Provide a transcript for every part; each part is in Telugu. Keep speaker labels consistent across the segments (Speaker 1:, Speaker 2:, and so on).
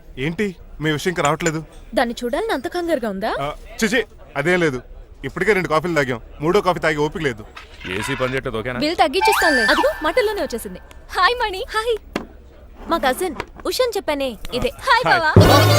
Speaker 1: ఏంటి మీ విషయం ఇంకా రావట్లేదు?
Speaker 2: దాన్ని చూడాలని అంత కంగారుగా ఉందా?
Speaker 1: చిచి అదేం లేదు. ఇప్పటికే 2 కాఫీలు తాగాం. 3వ కాఫీ తాగి ఓపిక లేదు.
Speaker 3: ఏసీ పని చేయట్లేదు. ఓకేనా?
Speaker 2: బిల్ తగ్గించిస్తానులే. అదిగో మాటల్లోనే వచ్చేసింది. హాయ్ మణి. హాయ్. మా కజిన్ ఉషాన్ చెప్పానే ఇదే. హాయ్ బావా.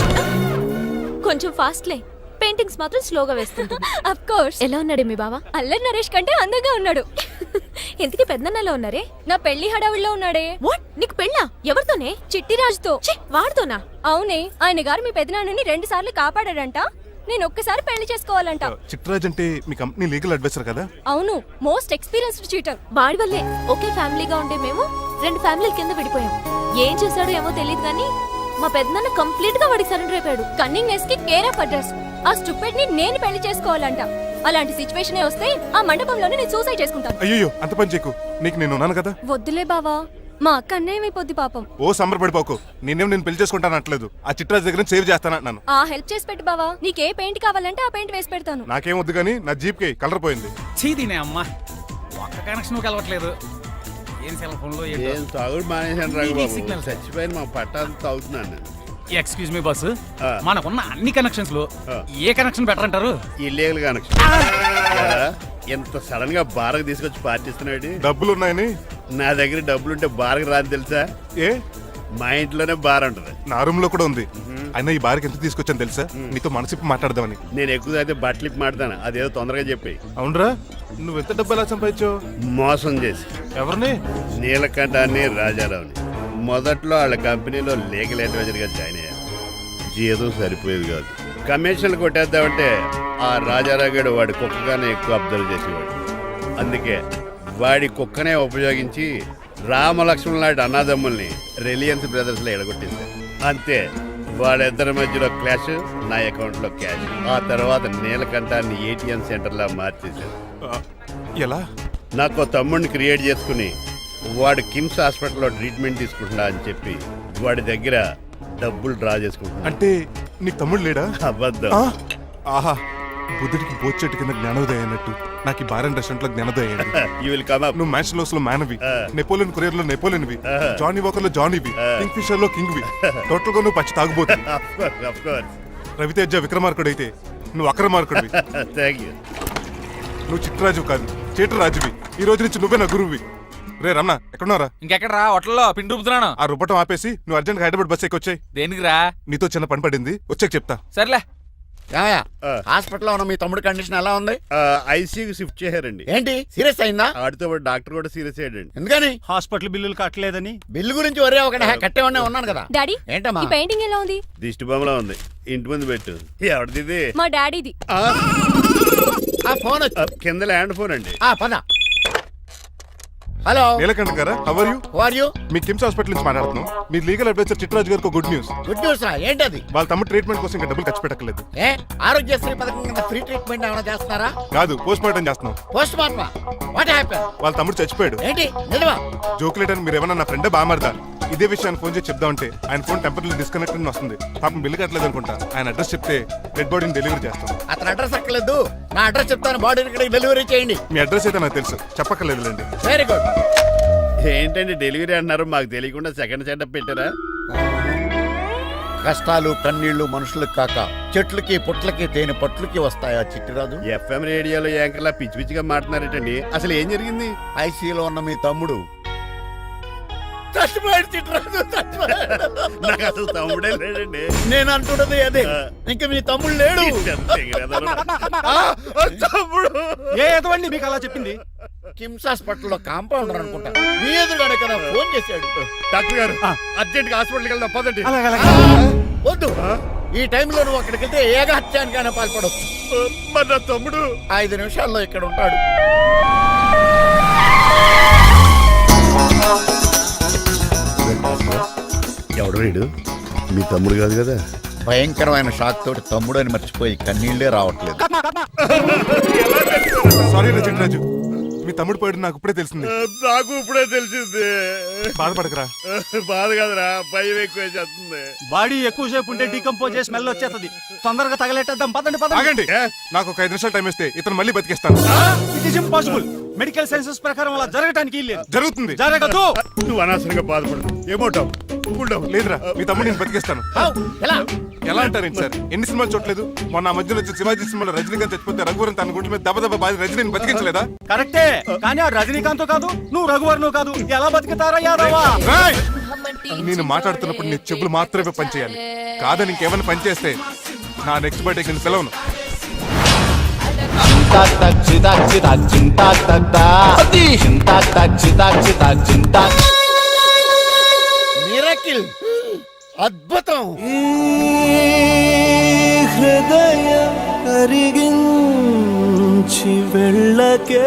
Speaker 2: కొంచెం ఫాస్ట్లే. పెయింటింగ్స్ మాత్రం స్లోగా వేస్తుంటుంది. Of course. ఎలా ఉన్నాడు మీ బావ? అల్లరి నరేష్ కంటే అందంగా ఉన్నాడు. ఇంతకీ పెద్దన్నలో ఉన్నారే? నా పెళ్లి హడావుల్లో ఉన్నాడే. వాట్? నీకు పెళ్ళా? ఎవరితోనే? చిట్టిరాజుతో. వాడితోనా? అవునే. ఆయన గారు మీ పెద్దనాన్నని 2 సార్లు కాపాడాడంట. నేను ఒక్కసారి పెళ్లి చేసుకోవాలంట.
Speaker 1: చిట్రాజ్ అంటే మీ కంపెనీ లీగల్ అడ్వైజర్ కదా?
Speaker 2: అవును, మోస్ట్ ఎక్స్పీరియన్స్డ్ చీటర్. వాడి వల్లే ఒకే ఫ్యామిలీగా ఉండే మేము 2 ఫ్యామిలీల కింద విడిపోయాం. ఏం చేశాడో ఏమో తెలియదు కానీ మా పెద్దనాన్న కంప్లీట్ గా వాడికి సరెండర్ అయిపోయాడు. కన్నింగ్నెస్ కి కేర్ ఆఫ్ అడ్రస్. ఆ స్టూపిడ్ ని నేను పెళ్లి చేసుకోవాలంట. అలాంటి సిచ్యువేషన్ వస్తే ఆ మండపంలోనే నేను సూసైడ్ చేసుకుంటాను.
Speaker 1: అయ్యో అంత పని చేయకు. నీకు నేను ఉన్నాను కదా.
Speaker 2: వద్దులే బావా, మా అక్క అన్యాయమైపోద్ది పాపం.
Speaker 1: ఓ సంబరపడిపోకు. నేను పెళ్లి చేసుకుంటాను అంటలేదు. ఆ చిట్రాజ్ దగ్గర సేవ్ చేస్తానంటున్నాను.
Speaker 2: ఆ హెల్ప్ చేసి పెట్టు బావా. నీకే పెయింట్ కావాలంటే ఆ పెయింట్ వేసి పెడతాను.
Speaker 1: నాకేం వద్దు కానీ నా జీప్ కి కలర్ పోయింది.
Speaker 4: చీదీనే అమ్మా, ఒక్క కనెక్షన్ కలవట్లేదు. ఏం సెల్ ఫోన్ లో
Speaker 5: ఏం తాగుడు మానేశాను రాఘబాబు.
Speaker 4: సిగ్నల్
Speaker 5: చచ్చిపోయిన మా పట్టాలు తాగుతున్నాను నేను.
Speaker 4: ఎక్స్క్యూజ్ మీ బస్సు, మనకున్న అన్ని కనెక్షన్స్ లో ఏ కనెక్షన్ బెటర్ అంటారు?
Speaker 5: Illegal connection. ఎంత సడన్ గా బారకు తీసుకొచ్చి పార్టీస్తున్నాడు.
Speaker 1: డబ్బులు ఉన్నాయని.
Speaker 5: నా దగ్గర డబ్బులుంటే బారకు రాని తెలుసా?
Speaker 1: ఏ
Speaker 5: మా ఇంట్లోనే బార్ ఉంటది.
Speaker 1: నా రూమ్ లో కూడా ఉంది. అయినా ఈ బార్కి ఎంత తీసుకొచ్చాను తెలుసా? నీతో మనసిప్పి మాట్లాడదామని.
Speaker 5: నేను ఎక్కువ అయితే బట్టలిప్పి మాడతాను. అదేదో తొందరగా చెప్పి.
Speaker 1: అవునరా, నువ్వు ఎంత డబ్బు ఎలా సంపాదించావు?
Speaker 5: మోసం చేసి.
Speaker 1: ఎవరిని?
Speaker 5: నీలకంఠాన్ని, రాజారావుని. మొదట్లో వాళ్ళ కంపెనీలో లీగల్ అడ్వైజర్ గా జాయిన్ అయ్యాను. జీతం సరిపోయేది కాదు. కమిషన్లు కొట్టేద్దామంటే ఆ రాజారావు గడు వాడి కుక్కగానే ఎక్కువ అబ్జర్వ్ చేసేవాడు. అందుకే వాడి కుక్కనే ఉపయోగించి రామలక్ష్మణ్ లాంటి అన్నదమ్ముల్ని రిలయన్స్ బ్రదర్స్ లో ఎడగొట్టింది. అంతే, వాళ్ళిద్దరి మధ్యలో క్లాష్, నా అకౌంట్ లో క్యాష్. ఆ తర్వాత నీలకంఠాన్ని ఏటీఎం సెంటర్ లా మార్చేశారు.
Speaker 1: ఎలా?
Speaker 5: నాకు తమ్ముడిని క్రియేట్ చేసుకుని వాడు కిమ్స్ హాస్పిటల్లో ట్రీట్మెంట్ తీసుకుంటున్నా అని చెప్పి వాడి దగ్గర డబ్బులు డ్రా చేసుకుంటున్నా.
Speaker 1: అంటే నీ తమ్ముడు లేడా?
Speaker 5: అబద్ధం.
Speaker 1: ఆహా, బుద్ధుడికి బోచెట్టు కింద జ్ఞానోదయం అన్నట్టు నాకు ఈ బార్ అండ్ రెస్టారెంట్ లో జ్ఞానోదయం అయింది.
Speaker 5: You will come up.
Speaker 1: నువ్వు మ్యాన్ లో మ్యాన్వి, నెపోలియన్ కొరియర్ లో నెపోలియన్వి, జానీ వాకర్ లో జానీవి, కింగ్ ఫిషర్ లో కింగ్వి. టోటల్ గా నువ్వు పచ్చి తాగుబోతుంది. రవితేజ విక్రమార్కుడు అయితే నువ్వు అక్రమార్కుడివి.
Speaker 5: Thank you.
Speaker 1: నువ్వు చిట్రాజు కాదు, చీటరాజువి. ఈ రోజు నుంచి నువ్వే నా గురువువి. రే రమణ, ఎక్కడున్నారా?
Speaker 4: ఇంకెక్కడ రా, హోటల్లో పిండి రూపుతున్నాను.
Speaker 1: ఆ రుబ్బటం ఆపేసి నువ్వు అర్జెంట్ హైదరాబాద్ బస్ ఎక్కొచ్చాయి.
Speaker 4: దేనికి రా?
Speaker 1: నీతో చిన్న పని పడింది, వచ్చాక చెప్తా.
Speaker 4: సర్లే.
Speaker 6: హాస్పిటల్లో ఉన్న మీ తమ్ముడు కండిషన్ ఎలా ఉంది?
Speaker 5: ఐసీయూకి షిఫ్ట్ చేశారండి.
Speaker 6: ఏంటి, సీరియస్ అయిందా?
Speaker 5: ఆడితో పాటు డాక్టర్ కూడా సీరియస్ అయ్యాడండి.
Speaker 6: ఎందుకని?
Speaker 7: హాస్పిటల్ బిల్లులు కట్టలేదని.
Speaker 6: బిల్లు గురించి ఒరే ఒకటి కట్టేవాడినే ఉన్నాను కదా.
Speaker 2: డాడీ,
Speaker 6: ఏంటమ్మా
Speaker 2: ఈ పెయింటింగ్ ఎలా ఉంది?
Speaker 5: దిష్టి బొమ్మలా ఉంది. ఇంటి ముందు పెట్టు. ఎవరిది?
Speaker 2: మా డాడీది.
Speaker 6: ఆ ఫోన్
Speaker 5: కింద ల్యాండ్ ఫోన్ అండి.
Speaker 6: పద. హలో
Speaker 1: నీలకంఠ గారా, how are you?
Speaker 6: Who are you?
Speaker 1: మీ కిమ్స్ హాస్పిటల్ నుంచి మాట్లాడుతున్నాం. మీ లీగల్ అడ్వైజర్ చిట్రాజు గారికి గుడ్ న్యూస్.
Speaker 6: గుడ్ న్యూస్ రా, ఏంటది?
Speaker 1: వాళ్ళ తమ్ముడు ట్రీట్మెంట్ కోసం ఇంకా డబ్బులు ఖర్చు పెట్టలేదు.
Speaker 6: ఏ ఆరోగ్యశ్రీ పథకం కింద ఫ్రీ ట్రీట్మెంట్ ఏమైనా చేస్తున్నారా?
Speaker 1: కాదు, పోస్ట్ మార్టం చేస్తున్నాం.
Speaker 6: పోస్ట్ మార్టమా? What happen?
Speaker 1: వాళ్ళ తమ్ముడు చచ్చిపోయాడు.
Speaker 6: ఏంటి నిజమా?
Speaker 1: జోకులేటని మీరు ఏమన్నా నా ఫ్రెండ్ బామర్దా? ఇదే విషయాన్ని ఫోన్ చేసి చెప్దామంటే ఆయన ఫోన్ టెంపరీ డిస్కనెక్ట్ అని వస్తుంది. పాపం బిల్లు కట్టలేదు అనుకుంటా. ఆయన అడ్రస్ చెప్తే డెడ్ బాడీని డెలివరీ చేస్తాం.
Speaker 6: అతను అడ్రస్ అక్కర్లేదు, నా అడ్రస్ చెప్తాను, బాడీని ఇక్కడికి డెలివరీ చేయండి.
Speaker 1: మీ అడ్రస్ అయితే నాకు తెలుసు, చెప్పక్కర్లేదులేండి.
Speaker 6: Very good.
Speaker 5: ఏంటండి డెలివరీ అంటున్నారు? మాకు తెలియకుండా సెకండ్ సెటప్ పెట్టారా?
Speaker 6: కష్టాలు కన్నీళ్లు మనుషులకు కాక చెట్లకి పుట్లకి తేనె పట్లకి వస్తాయా చిట్టిరాజు?
Speaker 5: ఎఫ్ఎం రేడియోలో యాంకర్లా పిచ్చి పిచ్చిగా మాట్లాడారేటండి. అసలు ఏం జరిగింది?
Speaker 6: ఐసీయూలో ఉన్న మీ తమ్ముడు చచ్చిపోయాడు. చిట్టిరాజు చచ్చిపోయాడు.
Speaker 5: నాకు అసలు తమ్ముడే లేడండి.
Speaker 6: నేను అంటున్నది అదే, ఇంకా మీ తమ్ముడు లేడు.
Speaker 5: తమ్ముడు
Speaker 7: ఏ ఎదవండి మీకు అలా చెప్పింది?
Speaker 6: కిమ్స్ హాస్పిటల్లో కాంపౌండర్ అనుకుంటా, మీ ఎదురుగానే కదా ఫోన్ చేశాడు.
Speaker 5: డాక్టర్ గారు అర్జెంట్ గా హాస్పిటల్కి వెళ్దాం పదండి.
Speaker 6: వద్దు, ఈ టైంలో నువ్వు అక్కడికి వెళ్తే ఏకహత్యానికైనా పాల్పడవచ్చు.
Speaker 5: మరి నా తమ్ముడు
Speaker 6: 5 నిమిషాల్లో ఇక్కడ ఉంటాడు.
Speaker 5: ఎవడు వీడు? మీ తమ్ముడు కాదు కదా?
Speaker 6: భయంకరమైన షాక్ తోటి తమ్ముడు అని మర్చిపోయి కన్నీళ్లే రావట్లేదు.
Speaker 1: సారీ రా చిట్రాజు, మీ తమ్ముడు పోయాడు నాకు ఇప్పుడే తెలిసింది.
Speaker 5: నాకు ఇప్పుడే తెలిసింది.
Speaker 1: బాధపడకరా.
Speaker 5: బాధ కాదురా, భయం ఎక్కువ చేస్తుంది.
Speaker 7: బాడీ ఎక్కువసేపు ఉంటే డీకంపోజ్ చేసి స్మెల్ వచ్చేస్తుంది. తొందరగా తగలెట్టేద్దాం, పదండి పదండి.
Speaker 1: ఆగండి, నాకు ఒక 5 నిమిషాలు టైం ఇస్తే ఇతను మళ్ళీ బతికేస్తాను.
Speaker 7: It is impossible. Medical sciences ప్రకారం అలా జరగటానికి లేదు.
Speaker 1: జరుగుతుంది.
Speaker 7: జరగదు.
Speaker 5: నువ్వు అనవసరంగా బాధపడు. ఏమోటావు?
Speaker 1: లేదురా, మీ తమ్ముడు నేను బతికేస్తాను.
Speaker 6: ఎలా
Speaker 1: ఎలా అంటారేంటి సార్? ఎన్ని సినిమాలు చూడలేదు? మొన్న ఆ మధ్యలో వచ్చి శివాజీ సినిమాలో రజనీకాంత్ చచ్చిపోతే రఘువరన్ తన గుండె మీద దెబ్బ బాధ రజనీని బతికించలేదా?
Speaker 7: కరెక్టే, కానీ ఆ రజనీకాంత్ కాదు, నువ్వు రఘువర్ను కాదు. ఎలా బతుకుతారా యాదవా?
Speaker 1: రాయ్! నేను మాట్లాడుతున్నప్పుడు నీ చెప్పులు మాత్రమే పనిచేయాలి. కాదని ఇంకేమైనా పనిచేస్తే నా నెక్స్ట్ బర్త్డేకి నేను పిలవను.
Speaker 6: మిరకిల్, అద్భుతం.
Speaker 3: హృదయం కరిగించి వెళ్ళకే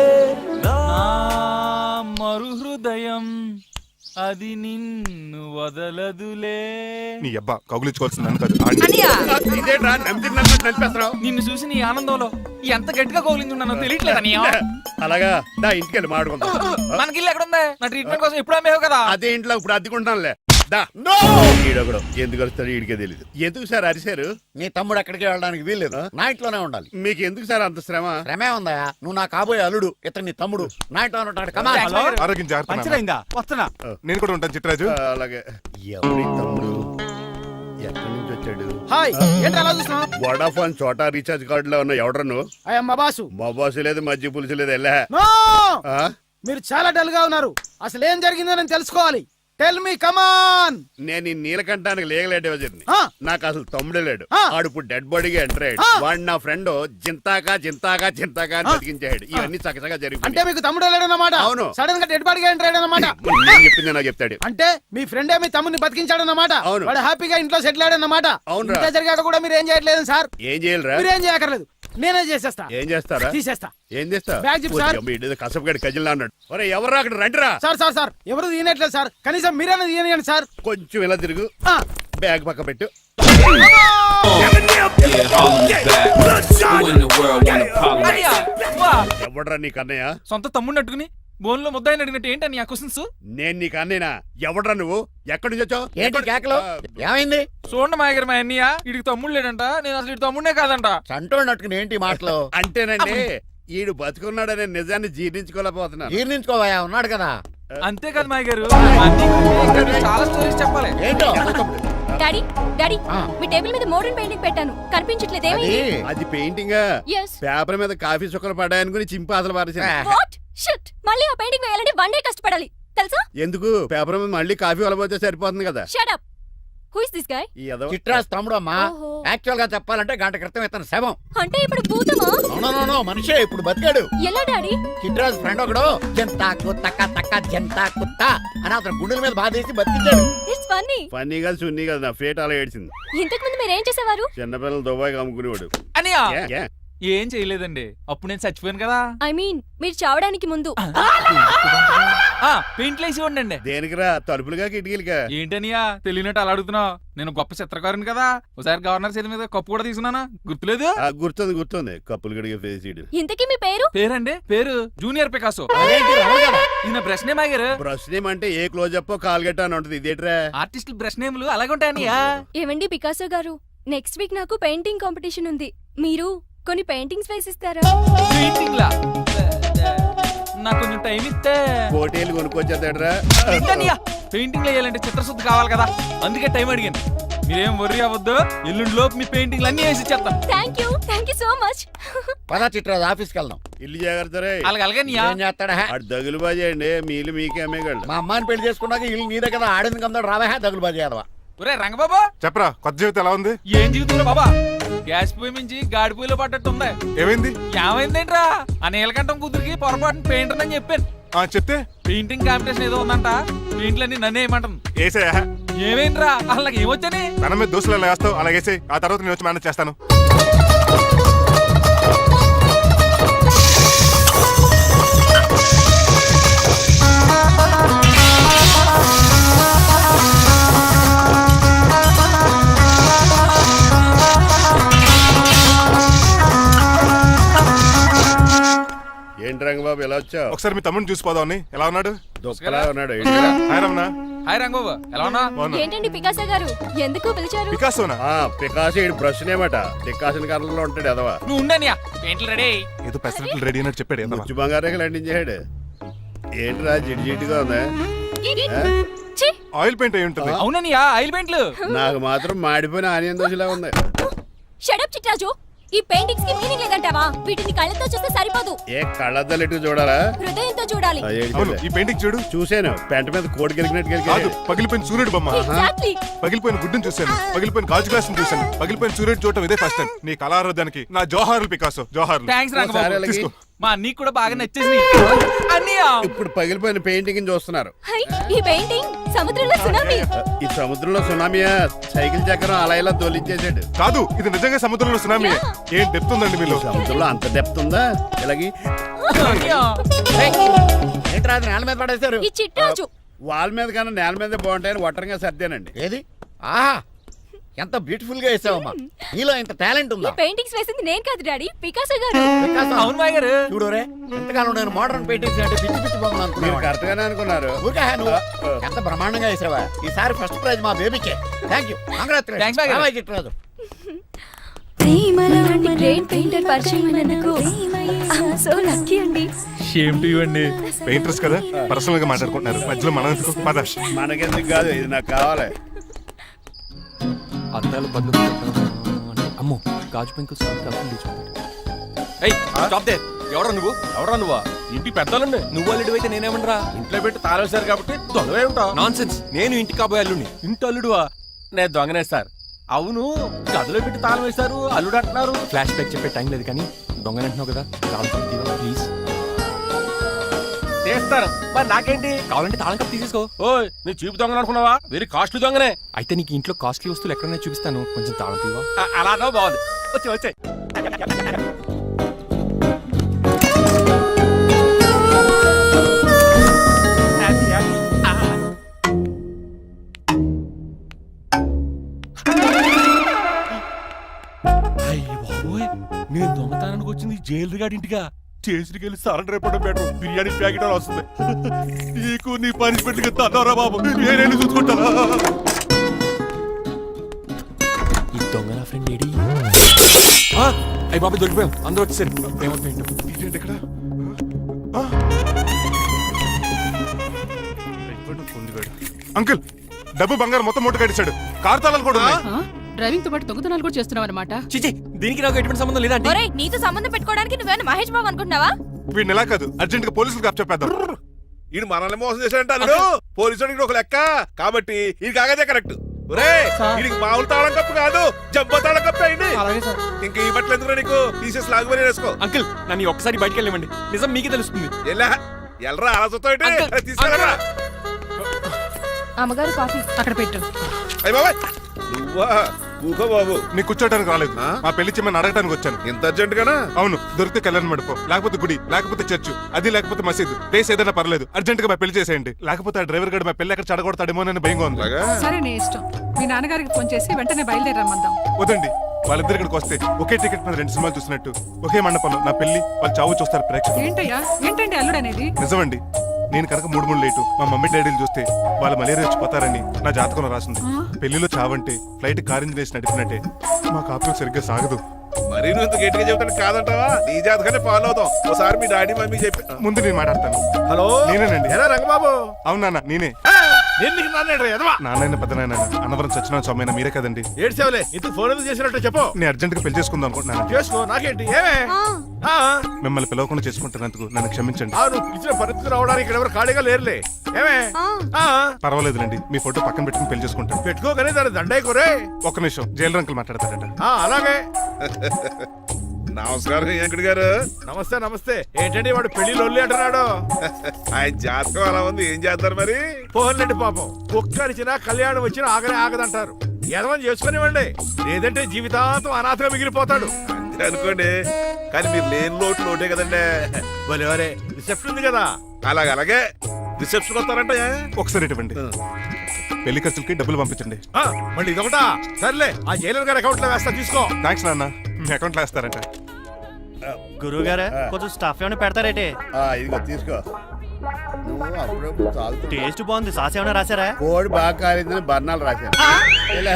Speaker 4: మరు హృదయం అది నిన్ను వదలదులే.
Speaker 1: నీ అబ్బా కౌగులించుకోవాల్సింది నన్ను కాదు.
Speaker 5: ఇదేట్రా నడిపేస్తున్నావు?
Speaker 4: నిన్ను చూసి నీ ఆనందంలో ఎంత గట్టిగా కౌలించున్నానో తెలియట్లేదు అన్నయ్య.
Speaker 5: అలాగా దా ఇంటికి వెళ్ళి మాడుకుందాం.
Speaker 4: మనకి ఇల్లు ఎక్కడ ఉంది? నా ట్రీట్మెంట్ కోసం ఎప్పుడు అమ్మేవు కదా.
Speaker 5: అదే ఇంట్లో ఇప్పుడు అద్దెకుంటానులే. దా ఈడొకడు ఎందుకు వస్తాడు ఈడికే తెలియదు. ఎందుకు సార్ అరిశారు?
Speaker 6: నీ తమ్ముడు ఎక్కడికి వెళ్ళడానికి వీల్లేదు, నా ఇంట్లోనే ఉండాలి.
Speaker 5: మీకు ఎందుకు సార్ అంత శ్రమ?
Speaker 6: శ్రమే ఉందా? నువ్వు నా కాబోయే అల్లుడు, ఇతను నీ తమ్ముడు, నా ఇంట్లోనే ఉంటాడు. కమా.
Speaker 7: హలో,
Speaker 1: ఆరోగ్యం జాగ్రత్త నాన్న.
Speaker 7: పంచరైందా? వస్తున్నా.
Speaker 1: నేను కూడా ఉంటాను చిట్రాజు.
Speaker 5: అలాగే. ఎవరి తమ్ముడు ఎక్కడి నుంచి వచ్చాడు?
Speaker 8: హాయ్, ఏంటి అలా చూస్తున్నావు?
Speaker 5: వడాఫోన్ చోటా రీఛార్జ్ కార్డులో ఉన్న ఎవడరా నువ్వు?
Speaker 8: అయ్యమ్మ బాసు.
Speaker 5: మా బాసు లేదు, మజ్జి పులుసు లేదు. వెళ్ళా
Speaker 8: నో! మీరు చాలా డల్ గా ఉన్నారు. అసలు ఏం జరిగిందో నేను తెలుసుకోవాలి. Tell me, come on.
Speaker 5: నేను ఈ నీలకంఠానికి లేగలేడు వజర్ని.
Speaker 8: ఆ.
Speaker 5: నాకు అసలు తమ్ముడే లేడు.
Speaker 8: ఆ.
Speaker 5: ఆడు ఇప్పుడు డెడ్ బాడీగా ఎంటర్ అయ్యాడు.
Speaker 8: ఆ.
Speaker 5: వాడు నా ఫ్రెండ్ జింతాకా జింతాకా జింతాకా అని బతికించాడు. ఇవన్నీ చక్కగా
Speaker 8: అంటే
Speaker 5: జరిగిపోయి
Speaker 8: మీకు తమ్ముడు లేడన్నమాట.
Speaker 5: అవును.
Speaker 8: సడన్ గా డెడ్ బాడీగా ఎంటర్ అయ్యాడన్నమాట.
Speaker 5: నేను చెప్పింది నాకు చెప్తాడు.
Speaker 8: అంటే మీ ఫ్రెండే మీ తమ్ముడిని బతికించాడన్నమాట.
Speaker 5: అవును.
Speaker 8: వాడు హ్యాపీగా ఇంట్లో సెటిల్ అయ్యాడన్నమాట.
Speaker 5: అవునురా.
Speaker 8: ఇంత జరిగాక కూడా మీరు ఏం చేయట్లేదు సార్.
Speaker 5: ఏం చేయాలిరా?
Speaker 8: మీరు ఏం చేయక్కర్లేదు, నేనే చేసేస్తా.
Speaker 5: ఏం చేస్తారా?
Speaker 8: తీసేస్తా.
Speaker 5: ఏం చేస్తా?
Speaker 8: బ్యాగ్ చెప్పు సార్.
Speaker 5: కసపగడి కజిల్లా అన్నాడు. ఒరే ఎవరు అక్కడ రండిరా.
Speaker 8: సార్ సార్ సార్, ఎవరు తీయనట్లేదు సార్. కనీసం మీరైనా తీయనియండి సార్.
Speaker 5: కొంచెం ఇలా తిరుగు.
Speaker 8: ఆ.
Speaker 5: బ్యాగ్ పక్క పెట్టు.
Speaker 4: అన్నయ్య, వా.
Speaker 5: ఎవడరా నీకు అన్నయ్య?
Speaker 4: సొంత తమ్ముడిని అట్టుకుని బోన్లో ముద్దాయిని అడిగినట్టు ఏంటని ఆ క్వశ్చన్స్?
Speaker 5: నేను నీకు అన్నయ్యనా? ఎవడరా నువ్వు? ఎక్కడి నుంచి వచ్చావు?
Speaker 6: ఏంటి కేకలు? ఏమైంది?
Speaker 4: చూడండి మా దగ్గర మా అన్నయ్య ఇడికి తమ్ముడు లేడంట. నేను అసలు ఇటు తమ్ముడే కాదంట.
Speaker 6: చంటోడు నట్టుకుని ఏంటి మాటలు?
Speaker 5: అంటేనండి ఈడు బతుకున్నాడనే నిజాన్ని జీర్ణించుకోలేకపోతున్నాను.
Speaker 6: జీర్ణించుకోవయా, ఉన్నాడు కదా.
Speaker 4: అంతేకాదు మా గారు, చాలా స్టోరీస్ చెప్పాలి.
Speaker 6: ఏంటో
Speaker 2: డాడీ డాడీ,
Speaker 6: ఆ.
Speaker 2: మీ టేబుల్ మీద మోడర్న్ పెయింటింగ్ పెట్టాను, కనిపించట్లేదు.
Speaker 6: అది
Speaker 2: ఏమైంది?
Speaker 5: అది పెయింటింగ్.
Speaker 2: Yes.
Speaker 5: పేపర్ మీద కాఫీ చుక్కలు పడ్డాయనుకుని చింపి అసలు పారేసాను.
Speaker 2: వాట్ షిట్, మళ్ళీ ఆ పెయింటింగ్ వేయాలంటే 1 డే కష్టపడాలి తెలుసా?
Speaker 5: ఎందుకు? పేపర్ మీద మళ్ళీ కాఫీ వలపోతే సరిపోతుంది కదా.
Speaker 2: Shut up. Who is this guy?
Speaker 5: ఈ ఎదవ.
Speaker 6: చిట్రాజ్ తమ్ముడు అమ్మా.
Speaker 2: ఓహో.
Speaker 6: యాక్చువల్ గా చెప్పాలంటే గంట క్రితం ఇతను శవం.
Speaker 2: అంటే ఇప్పుడు భూతమా?
Speaker 6: నో మనిషే ఇప్పుడు బతికాడు.
Speaker 2: ఎలా డాడీ?
Speaker 6: చిట్రాజ్ ఫ్రెండ్ ఒకడు జంతా కుత్తక తక్క జంతా కుత్త అని అతను గుండెల మీద బాధేసి బతికించాడు.
Speaker 2: It's funny.
Speaker 5: ఫన్నీగా సున్నీ కదా, నా ఫేట్ అలా ఏడ్చింది.
Speaker 2: ఇంతకు ముందు మీరు ఏం చేసేవారు?
Speaker 5: చిన్నపిల్లలు దుబాయ్ అమ్ముకునేవాడు.
Speaker 4: అన్నయ్య
Speaker 5: ఏ, ఏ?
Speaker 4: ఏం చేయలేదండి, అప్పుడు నేను చచ్చిపోయాను కదా.
Speaker 2: ఐ మీన్ మీరు చావడానికి ముందు.
Speaker 4: పెయింట్లు వేసి ఉండండి.
Speaker 5: దేనికిరా? తలుపులుగా కిటికీలుగా?
Speaker 4: ఏంటనియా తెలియనట్టు అలా అడుగుతున్నావు? నేను గొప్ప చిత్రకారుని కదా. ఒకసారి గవర్నర్ చేతి మీద కప్పు కూడా తీసుకున్నానా, గుర్తులేదు?
Speaker 5: గుర్తుంది కప్పులు గడిగే ఫేస్ ఇడు.
Speaker 2: ఇంతకీ మీ పేరు?
Speaker 4: పేరండి, పేరు జూనియర్ పికాసో.
Speaker 6: అదేంటి రమణ?
Speaker 4: ఈయన బ్రష్ నేమ్ ఆగారు.
Speaker 5: బ్రష్ నేమ్ అంటే ఏ క్లోజప్ కాల్గెట్ అని ఉంటుంది. ఇదేట్రా?
Speaker 4: ఆర్టిస్టులు బ్రష్ నేమ్లు అలాగే ఉంటాయనియా.
Speaker 2: ఏమండి పికాసో గారు, నెక్స్ట్ వీక్ నాకు పెయింటింగ్ కాంపిటీషన్ ఉంది. మీరు కొన్ని పెయింటింగ్స్ వేసిస్తారా?
Speaker 4: పెయింటింగ్ లా నాకు కొంచెం టైం ఇస్తే.
Speaker 5: కోటేలు కొనుక్కొచ్చేదేట్రా?
Speaker 4: పెయింటింగ్ వేయాలంటే చిత్రశుద్ధి కావాలి కదా, అందుకే టైం అడిగాను. మీరేం వర్రీ అవ్వద్దు, ఎల్లుండి లోపు మీ పెయింటింగ్లు అన్ని వేసి ఇచ్చేస్తాను.
Speaker 2: Thank you so much.
Speaker 6: పదా చిట్రాజ్ ఆఫీస్కి వెళ్దాం.
Speaker 5: ఇల్లు జాగ్రత్త రే.
Speaker 4: అలాగే
Speaker 6: ఏం చేస్తాడా?
Speaker 5: అటు దగులు బాజీ అండి, మీలు మీకే అమ్మేగాళ్ళు.
Speaker 6: మా అమ్మాయిని పెళ్లి చేసుకున్నాక ఇల్లు నీదే కదా, ఆడింది కదా, రావా దగులు బాజీ యాదవా.
Speaker 4: ఒరే రంగబాబా,
Speaker 1: చెప్పరా, కొత్త జీవితం ఎలా ఉంది?
Speaker 4: ఏం జీవితంలో బాబా, గ్యాస్ పొయ్యి మించి గాడి పొయ్యిలో పడ్డట్టు ఉంది.
Speaker 1: ఏమైంది?
Speaker 4: ఏమైందేంట్రా? ఆ నీలకంఠం కూతురికి పొరపాటున పెయింటర్ అని చెప్పాను.
Speaker 1: చెప్తే
Speaker 4: పెయింటింగ్ కాంపిటీషన్ ఏదో ఉందంట, పెయింట్లన్నీ నన్నే ఏమంటాను.
Speaker 1: ఏసయ్యా,
Speaker 4: ఏమైందిరా? అసలు నాకు ఏమొచ్చని?
Speaker 1: తన మీద దోశలు ఎలా వేస్తావు అలాగేసే, ఆ తర్వాత నేను వచ్చి మేనేజ్ చేస్తాను.
Speaker 5: ఏంటి రంగబాబు ఇలా వచ్చావు?
Speaker 1: ఒకసారి మీ తమ్ముడిని చూసిపోదామని. ఎలా ఉన్నాడు?
Speaker 5: దుఃఖలా ఉన్నాడు.
Speaker 1: హాయ్ రమణ.
Speaker 4: హాయ్ రంగబాబు, ఎలా ఉన్నా?
Speaker 1: బాగున్నా.
Speaker 2: ఏంటండి పికాసో గారు ఎందుకు పిలిచారు?
Speaker 1: పికాసోనా?
Speaker 5: పికాసి బ్రష్ నేమట డికాషన్ కలర్ లో ఉంటాడు ఎదవా.
Speaker 4: నువ్వు ఉండనియా, పెయింట్లు రెడీ.
Speaker 1: ఏదో పెసరట్లు రెడీ అయినట్టు చెప్పాడు ఏదో.
Speaker 5: ముచ్చు బంగారే లండించాడు. ఏంట్రా జిడ్జిడ్గా ఉందా?
Speaker 2: ఛీ!
Speaker 1: ఆయిల్ పెయింట్ అయి ఉంటుంది.
Speaker 4: అవుననియా, ఆయిల్ పెయింట్లు.
Speaker 5: నాకు మాత్రం మాడిపోయిన ఆనియన్ దోశలా ఉంది.
Speaker 2: షడప్ చిట్రాజు, ఈ పెయింటింగ్స్ కి మీనింగ్ లేదంటావా? వీటిని కళ్ళతో చూస్తే సరిపోదు,
Speaker 5: ఏ కళ్ళద్దాలు ఎటు చూడాలా?
Speaker 2: హృదయంతో చూడాలి.
Speaker 1: అవును, ఈ పెయింటింగ్ చూడు.
Speaker 5: చూసాను, పెంట మీద కోడి గెలిగినట్టు
Speaker 1: కాదు,
Speaker 5: గెలిగాడు.
Speaker 1: పగిలిపోయిన సూర్యుడు బొమ్మ.
Speaker 2: Exactly.
Speaker 1: పగిలిపోయిన గుడ్డును చూశాను, పగిలిపోయిన గాజు గ్లాస్ చూశాను, పగిలిపోయిన సూర్యుడు చూడటం ఇదే ఫస్ట్ టైం. నీ కళారోధానికి నా జోహార్లు పికాసో, జోహార్లు.
Speaker 4: థ్యాంక్స్
Speaker 5: ఒకసారి
Speaker 4: రంగబాబు.
Speaker 5: అలాగే.
Speaker 1: తీసుకో.
Speaker 4: మా నీకు కూడా బాగా నచ్చేసింది అన్నయ్య.
Speaker 5: ఇప్పుడు పగిలిపోయిన పెయింటింగ్ చూస్తున్నారు.
Speaker 2: హై, ఈ పెయింటింగ్ సముద్రంలో సునామీ.
Speaker 5: ఈ సముద్రంలో సునామీయా? సైకిల్ చక్రం అలా ఇలా తోలించేసాడు.
Speaker 1: కాదు, ఇది నిజంగా సముద్రంలో సునామీ. ఏం డెప్త్ ఉందండి మీలో.
Speaker 5: సముద్రంలో అంత డెప్త్ ఉందా? ఇలాగి
Speaker 4: అన్నయ్య.
Speaker 6: ఏంట్రా అది నేల మీద పడేశారు?
Speaker 2: ఈ చిట్రాజు
Speaker 5: వాల్ మీద కన్నా నేల మీద బాగుంటాయని ఒట్టరంగా సర్దానండి.
Speaker 6: ఏది? ఆహా, ఎంత బ్యూటిఫుల్ గా వేసావమ్మా. నీలో ఇంత టాలెంట్
Speaker 2: ఈ
Speaker 6: ఉందా?
Speaker 2: పెయింటింగ్స్ వేసింది నేను కాదు డాడీ, పికాసో గారు.
Speaker 6: వికాసం.
Speaker 4: అవును మాయ గారు.
Speaker 6: చూడురే, ఎంతకాలం నేను మోడర్న్ పెయింటింగ్స్ అంటే పిచ్చి పిచ్చి బొమ్మలు
Speaker 5: మీరు
Speaker 6: అనుకున్నాను.
Speaker 5: కరెక్ట్ గానే అనుకున్నారు.
Speaker 6: ఊరికే నువ్వు ఎంత బ్రహ్మాండంగా వేసావా. ఈసారి ఫస్ట్ ప్రైజ్ మా బేబీకే. థ్యాంక్ యూ,
Speaker 4: Thanks, బాయ్ గారు.
Speaker 6: చిట్రాజు.
Speaker 2: ఇలాంటి గ్రేట్ పెయింటర్ పరిచయం అయినందుకు సో లక్కీ అండి.
Speaker 4: షేమ్ టు యు అండి.
Speaker 1: పెయింటర్స్ కదా, పర్సనల్ గా మాట్లాడుకుంటున్నారు. మధ్యలో మనం ఎందుకు? పద.
Speaker 5: మనకెందుకు కాదు, ఇది నాకు కావాలి.
Speaker 9: అద్దాలు బదులు అమ్మో గాజు పెంకు ఎవరా నువ్వు? ఎవరా నువ్వా? ఇంటి పెద్దలుండి. నువ్వు అల్లుడు అయితే నేనేమనరా? ఇంట్లో పెట్టి తాళేశారు కాబట్టి దొంగవే ఉంటావు. Nonsense. నేను ఇంటి కాబోయే అల్లుడిని. ఇంటి అల్లుడువా? నేను దొంగనే సార్. అవును, గదిలో పెట్టి తాళం వేశారు, అల్లుడు అంటున్నారు. ఫ్లాష్ బ్యాక్ చెప్పే టైం లేదు కానీ దొంగని అంటున్నావు కదా, తాళం కప్పు తీవా ప్లీజ్. చేస్తారు మరి నాకేంటి? కావాలంటే తాళం కప్పు తీసేసుకో. ఓయ్, నీ చూపు దొంగను అనుకున్నావా? వెరీ కాస్ట్లీ దొంగనే. అయితే నీకు ఇంట్లో కాస్ట్లీ వస్తువులు ఎక్కడైనా చూపిస్తాను, కొంచెం తాళం తీవా. అలానో బాగుంది, వచ్చి వచ్చాయి. నేను దొంగతనానికి వచ్చింది జైలు గాడి ఇంటిగా. చేసికెళ్ళి సరెండర్ అయిపోవడం బెటర్. బిర్యానీ ప్యాకెట్ అని వస్తుంది. నీకు నీ పనిష్మెంట్ తన్నారా బాబు, నేనేళ్ళు చూసుకుంటారా? ఈ దొంగ నా ఫ్రెండ్ ఏడి? అయ్యి బాబు దొరికిపోయాం, అందరూ వచ్చేసారు.
Speaker 1: ఏంటి ఇక్కడ? అంకుల్, డబ్బు బంగారం మొత్తం మూట కట్టించాడు. కారు తాళాలు కూడా ఉన్నాయి.
Speaker 10: డ్రైవింగ్ తో పాటు దొంగతనాలు కూడా చేస్తున్నావు అనమాట.
Speaker 9: చిచి, దీనికి నాకు ఎటువంటి సంబంధం లేదండి.
Speaker 2: ఒరేయ్, నీతో సంబంధం పెట్టుకోవడానికి నువ్వేనా మహేష్ బాబు అనుకుంటున్నావా?
Speaker 1: వీడిని ఎలా కాదు, అర్జెంట్ గా పోలీసులకు అప్పచెప్పేద్దాం.
Speaker 11: ఈయన మనల్ని మోసం చేశాడంటారు. పోలీసుడికి ఒక లెక్క కాబట్టి ఇది కాగదే కరెక్ట్. వీడికి మామూలు తాళం కప్పు కాదు, జంబో తాళం కప్పు అయింది. ఇంకా ఈ బట్టలు ఎందుకు నీకు? తీసేసి లాగుమని వేసుకో.
Speaker 9: అంకుల్, నన్ను ఒక్కసారి బయటికి వెళ్ళమండి, నిజం మీకే తెలుస్తుంది.
Speaker 11: ఎల్రా ఆలోచనతో తీసుకెళ్ళరా.
Speaker 2: అమ్మగారు కాఫీ
Speaker 10: అక్కడ పెట్టు.
Speaker 11: అయ్య బాబాయ్, నువ్వా? కూకో బాబు.
Speaker 1: నీ కూర్చోటానికి రాలేదు, మా పెళ్లి చెమ్మని అడగటానికి వచ్చాను.
Speaker 11: ఎంత అర్జెంట్ గానా?
Speaker 1: అవును, దొరికితే కళ్యాణ మండపం, లేకపోతే గుడి, లేకపోతే చర్చ్, అది లేకపోతే మసీదు, ప్లేస్ ఏదైనా పర్లేదు. అర్జెంట్ గా మా పెళ్లి చేసేయండి, లేకపోతే ఆ డ్రైవర్ గడు మా పెళ్లి ఎక్కడ చెడగొడతాడేమోనని భయంగా ఉంది.
Speaker 10: సరే, నీ ఇష్టం. మీ నాన్నగారికి ఫోన్ చేసి వెంటనే బయలుదేరమ్మందాం.
Speaker 1: వదండి, వాళ్ళిద్దరు ఇక్కడికి వస్తే ఒకే టికెట్ మీద 2 సినిమాలు చూసినట్టు, ఒకే మండపంలో నా పెళ్లి, వాళ్ళ చావు చూస్తారు ప్రేక్షకులు.
Speaker 10: ఏంటయ్యా, ఏంటండి అల్లుడు అనేది?
Speaker 1: నిజమండి, నేను కనుక 3 లేటు మా మమ్మీ డాడీలు చూస్తే వాళ్ళ మలేరియా వచ్చిపోతారని నా జాతకంలో రాసింది. పెళ్లిలో చావంటే ఫ్లైట్ కార్ ఇంజిన్ వేసి నడిపినట్టే. మా కాపురం సరిగ్గా సాగదు.
Speaker 11: మరి నువ్వు ఇంత గట్టిగా చెబుతాను కాదంటావా? నీ జాతకాన్ని ఫాలో అవుతాం. ఒకసారి మీ డాడీ మమ్మీ చెప్పి
Speaker 1: ముందు నేను మాట్లాడతాను.
Speaker 11: హలో,
Speaker 1: నేనేనండి.
Speaker 11: ఎలా రంగబాబు?
Speaker 1: అవునా, నేనే. నాన్న పెద్ద నాయన అన్నవరం సత్యనారాయణ స్వామి మీరే కదండి.
Speaker 11: ఏడ్చేవలే, ఇంత ఫోన్ ఎందుకు చేసినట్టు చెప్పు.
Speaker 1: నేను అర్జెంట్ గా పెళ్లి చేసుకుందాం అనుకుంటున్నాను.
Speaker 11: చేసుకో, నాకేంటి? ఏమే
Speaker 1: మిమ్మల్ని పిలవకుండా చేసుకుంటున్నందుకు నన్ను క్షమించండి.
Speaker 11: నువ్వు ఇచ్చిన పరిస్థితి రావడానికి ఇక్కడ ఎవరు ఖాళీగా లేరులే. ఏమే
Speaker 1: పర్వాలేదులేండి, మీ ఫోటో పక్కన పెట్టుకుని పెళ్లి చేసుకుంటాను.
Speaker 11: పెట్టుకోకనే దాని దండైకోరే.
Speaker 1: ఒక్క నిమిషం, జైలు రంకులు మాట్లాడతారట.
Speaker 11: అలాగే. నమస్కారం వెంకట గారు. నమస్తే నమస్తే. ఏంటండి వాడు పెళ్లి లొల్లి అంటున్నాడు? ఆయన జాతకం అలా ఉంది, ఏం చేస్తారు మరి? పోన్లేండి పాపం, కుక్క అరిచినా కళ్యాణం వచ్చినా ఆగనే ఆగదంటారు. ఎదవని చేసుకునివ్వండి, లేదంటే జీవితాంతం అనాథగా మిగిలిపోతాడు. అంతే అనుకోండి, కానీ మీరు లేని లోటే కదండి. భలే రిసెప్షన్ ఉంది కదా. అలాగే రిసెప్షన్ వస్తారంట.
Speaker 1: ఒకసారి ఇవ్వండి, పెళ్లి ఖర్చులకి డబ్బులు పంపించండి.
Speaker 11: మళ్ళీ ఇదొకటా? సర్లే, ఆ జైలర్ గారి అకౌంట్ లో వేస్తా, తీసుకో.
Speaker 1: థ్యాంక్స్ నాన్న, మీ అకౌంట్ లో వేస్తారంట.
Speaker 7: గురువు గారు కొంచెం స్టఫ్ ఏమైనా పెడతారేటే?
Speaker 5: ఇదిగో తీసుకో. నువ్వు అప్పుడప్పుడు తాగుతూ
Speaker 7: టేస్ట్ బాగుంది, సాస్ ఏమైనా రాశారా?
Speaker 5: కోడి బాగా కాలిందని బర్ణాలు రాశాను. ఇలా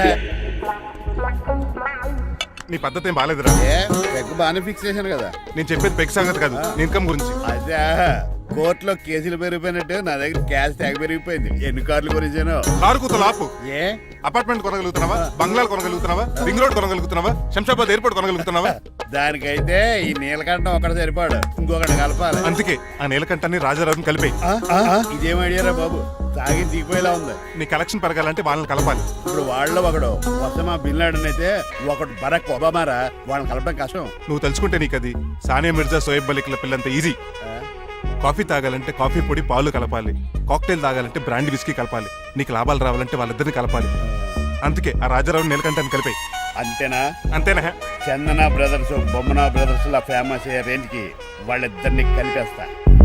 Speaker 1: నీ పద్ధతి ఏం బాగాలేదురా.
Speaker 5: పెగ్ బాగానే ఫిక్స్ చేశాను కదా.
Speaker 1: నేను చెప్పేది పెగ్ సంగతి కాదు, నీ ఇన్కమ్ గురించి.
Speaker 5: అదే కోర్టులో కేసులు పెరిగిపోయినట్టు నా దగ్గర క్యాష్ తెగ పెరిగిపోయింది. ఎన్ని కార్లు గురించాను.
Speaker 1: కారు కూతలు ఆపు.
Speaker 5: ఏ
Speaker 1: అపార్ట్మెంట్ కొనగలుగుతున్నావా? బంగ్లాలు కొనగలుగుతున్నావా? రింగ్ రోడ్ కొనగలుగుతున్నావా? శంషాబాద్ ఎయిర్పోర్ట్ కొనగలుగుతున్నావా?
Speaker 5: దానికైతే ఈ నీలకంఠం ఒకటి సరిపాడు, ఇంకొకటి కలపాలి.
Speaker 1: అందుకే ఆ నీలకంఠాన్ని రాజారావుని కలిపే.
Speaker 5: ఇదేం ఐడియారా బాబు, తాగి దిగిపోయేలా ఉంది.
Speaker 1: నీ కలెక్షన్ పెరగాలంటే వాళ్ళని కలపాలి.
Speaker 5: ఇప్పుడు వాళ్ళలో ఒకడు ఒసామా బిన్ లాడెన్ అయితే ఒకడు బరాక్ ఒబామారా, వాళ్ళని కలపడం కష్టం.
Speaker 1: నువ్వు తలుచుకుంటే నీకు అది సానియా మిర్జా, సోయబ్ మలిక్ల పిల్లంత ఈజీ. కాఫీ తాగాలంటే కాఫీ పొడి పాలు కలపాలి. కాక్టైల్ తాగాలంటే బ్రాండ్ విస్కీ కలపాలి. నీకు లాభాలు రావాలంటే వాళ్ళిద్దరిని కలపాలి. అందుకే ఆ రాజారావు నీలకంఠాన్ని కలిపాయి.
Speaker 5: అంతేనా?
Speaker 1: అంతేనా?
Speaker 5: చందన బ్రదర్స్, బొమ్మన బ్రదర్స్ లా ఫేమస్ అయ్యే రేంజ్ కి వాళ్ళిద్దరిని కలిపేస్తా.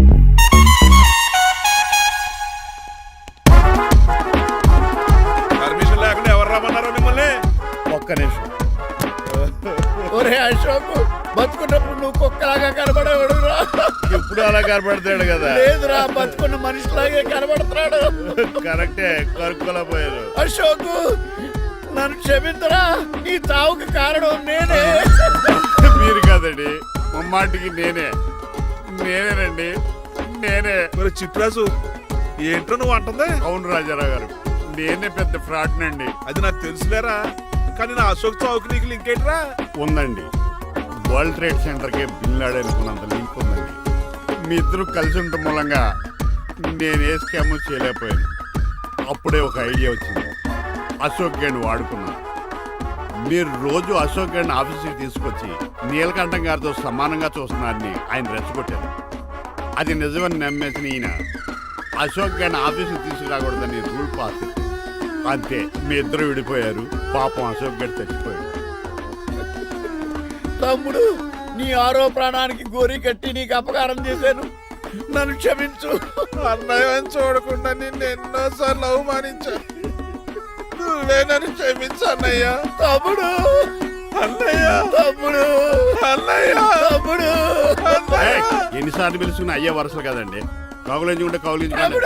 Speaker 11: పర్మిషన్ లేకుండా ఎవరు రమ్మన్నారో మిమ్మల్ని?
Speaker 5: ఒక్క నిమిషం. ఒరే అశోక్, బతుకున్నప్పుడు నువ్వు కుక్కలాగా కనబడేవాడురా. ఇప్పుడు అలా కనబడతాడు కదా. లేదురా, బతుకున్న మనిషిలాగే కనబడుతున్నాడు. కరెక్టే, కరుక్కులా పోయారు. అశోక్, నన్ను క్షమించరా, ఈ చావుకి కారణం నేనే. మీరు కాదండి, ముమ్మాటికి నేనేనండి, నేనే.
Speaker 11: మరి చిట్రాజు ఏంటో నువ్వు అంటుంది?
Speaker 5: అవును రాజారావు గారు, నేనే పెద్ద ఫ్రాడ్ నండి.
Speaker 11: అది నాకు తెలుసులేరా, కానీ నా అశోక్ చావుకి నీకు లింక్ ఏంట్రా?
Speaker 5: ఉందండి. వరల్డ్ ట్రేడ్ సెంటర్ కి బిన్ లాడెన్ అనుకున్నంత లింక్ ఉందండి. మీ ఇద్దరు కలిసి ఉండటం మూలంగా నేను ఏ స్కామ్ చేయలేకపోయాను. అప్పుడే ఒక ఐడియా వచ్చింది. అశోక్ గేణ్ వాడుకున్నాను. మీరు రోజు అశోక్ గేణ్ ఆఫీస్కి తీసుకొచ్చి నీలకంఠం గారితో సమానంగా చూస్తున్నారని ఆయన రెచ్చగొట్టారు. అది నిజమని నమ్మేసిన ఈయన అశోక్ గేణ్ ఆఫీస్కి తీసుకురాకూడదని రూల్ పాస్ చేశారు. అంతే, మీ ఇద్దరు విడిపోయారు. పాపం అశోక్ గేణ్ చచ్చిపోయాడు. తమ్ముడు, నీ ఆరో ప్రాణానికి గోరి కట్టి నీకు అపకారం చేశాను, నన్ను క్షమించు.
Speaker 11: అన్నయ్య చూడకుండా నిన్ను ఎన్నోసార్లు అవమానించాను, నువ్వే నన్ను క్షమించు అన్నయ్య.
Speaker 5: తమ్ముడు,
Speaker 11: అన్నయ్య,
Speaker 5: తమ్ముడు,
Speaker 11: అన్నయ్య,
Speaker 5: తమ్ముడు. ఎన్నిసార్లు పిలుచుకున్న అయ్యే వరుసలు కదండి. కౌలించుకుంటే కౌలించుకోండి.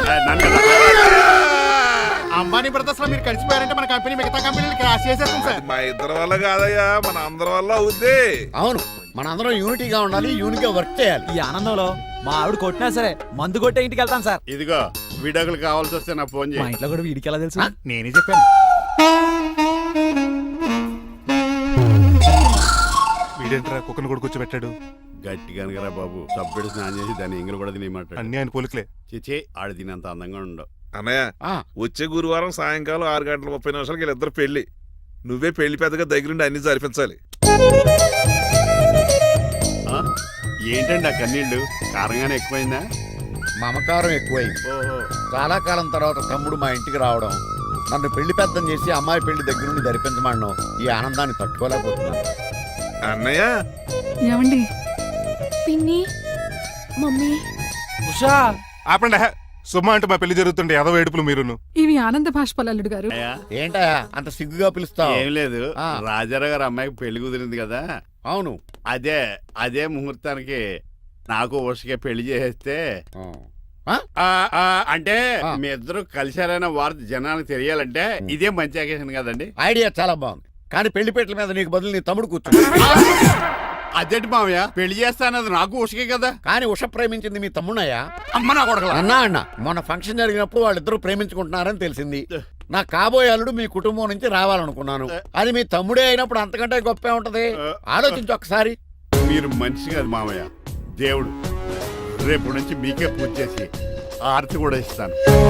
Speaker 8: అంబానీ బ్రదర్స్ లో మీరు కలిసిపోయారంటే మన కంపెనీ మిగతా కంపెనీలు క్రాష్ చేసేస్తాం సార్.
Speaker 11: మా ఇద్దరి వల్ల కాదయ్యా, మన అందరి వల్ల అవుద్ది.
Speaker 6: అవును, మనందరం యూనిటీగా ఉండాలి, యూనిట్గా వర్క్ చేయాలి.
Speaker 7: ఈ ఆనందంలో మా ఆవిడ కొట్టినా సరే మందు కొట్టే ఇంటికి వెళ్తాను సార్.
Speaker 5: ఇదిగో విడాకులు కావాల్సి వస్తే నాకు ఫోన్
Speaker 7: మా
Speaker 5: చేయి.
Speaker 7: ఇంట్లో కూడా వీడికి ఎలా తెలుసు?
Speaker 8: నేనే చెప్పాను.
Speaker 1: వీడేంట్రా కుక్కను కూడా కూర్చోబెట్టాడు.
Speaker 5: గట్టిగా అనగరా బాబు, సబ్బెడు స్నానం చేసి దాన్ని ఎంగిలి కూడా తినేయమంటాడు.
Speaker 1: అన్ని ఆయన పోలికలే.
Speaker 5: చిచే, ఆడు తినంత అందంగా ఉండవు.
Speaker 11: అన్నయ్య, వచ్చే గురువారం సాయంకాలం 6:30 వీళ్ళిద్దరు పెళ్లి. నువ్వే పెళ్లి పెద్దగా దగ్గరుండి అన్ని జరిపించాలి.
Speaker 5: ఏంటండి ఆ కన్నీళ్ళు? కారంగానే ఎక్కువైందా?
Speaker 6: మమకారం ఎక్కువైంది.
Speaker 5: ఓహో,
Speaker 6: చాలా కాలం తర్వాత తమ్ముడు మా ఇంటికి రావడం, నన్ను పెళ్లి పెద్దం చేసి అమ్మాయి పెళ్లి దగ్గర నుండి జరిపించమనడం, ఈ ఆనందాన్ని తట్టుకోలేకపోతున్నాను.
Speaker 11: అన్నయ్య,
Speaker 10: ఏమండి?
Speaker 2: పిన్ని, మమ్మీ,
Speaker 7: ఉషా,
Speaker 1: ఆపండి. సుమా అంటే మా పెళ్లి జరుగుతుంటే ఎదవ ఏడుపులు మీరును.
Speaker 10: ఇవి ఆనంద బాష్పాలు అల్లుడు గారు.
Speaker 6: ఏంటా అంత సిగ్గుగా పిలుస్తావు?
Speaker 5: ఏం లేదు,
Speaker 6: ఆ.
Speaker 5: రాజారావు గారు అమ్మాయికి పెళ్లి కుదిరింది కదా.
Speaker 6: అవును.
Speaker 5: అదే ముహూర్తానికి నాకు ఉషకే పెళ్లి చేసేస్తే, అంటే
Speaker 6: ఆ.
Speaker 5: మీ ఇద్దరు కలిశారైన వార్త జనానికి తెలియాలంటే ఇదే మంచి అకేషన్ కదండి.
Speaker 6: ఐడియా చాలా బాగుంది, కానీ పెళ్లి పెట్టల మీద నీకు బదులు నీ తమ్ముడు కూర్చో.
Speaker 5: అదేంటి మావయ్య, పెళ్లి చేస్తానది నాకు ఉషకే కదా.
Speaker 6: కానీ ఉష ప్రేమించింది మీ తమ్ముడయ్యా.
Speaker 5: అమ్మ నా కొడకలా.
Speaker 6: అన్నా మొన్న ఫంక్షన్ జరిగినప్పుడు వాళ్ళిద్దరూ ప్రేమించుకుంటున్నారని తెలిసింది. నా కాబోయే అల్లుడు మీ కుటుంబం నుంచి రావాలనుకున్నాను. అది మీ తమ్ముడే అయినప్పుడు అంతకంటే గొప్పే ఉంటది. ఆలోచించు ఒకసారి.
Speaker 5: మీరు మనిషి కాదు మామయ్య, దేవుడు. రేపు నుంచి మీకే పూజ చేసి ఆర్తి కూడా ఇస్తాను.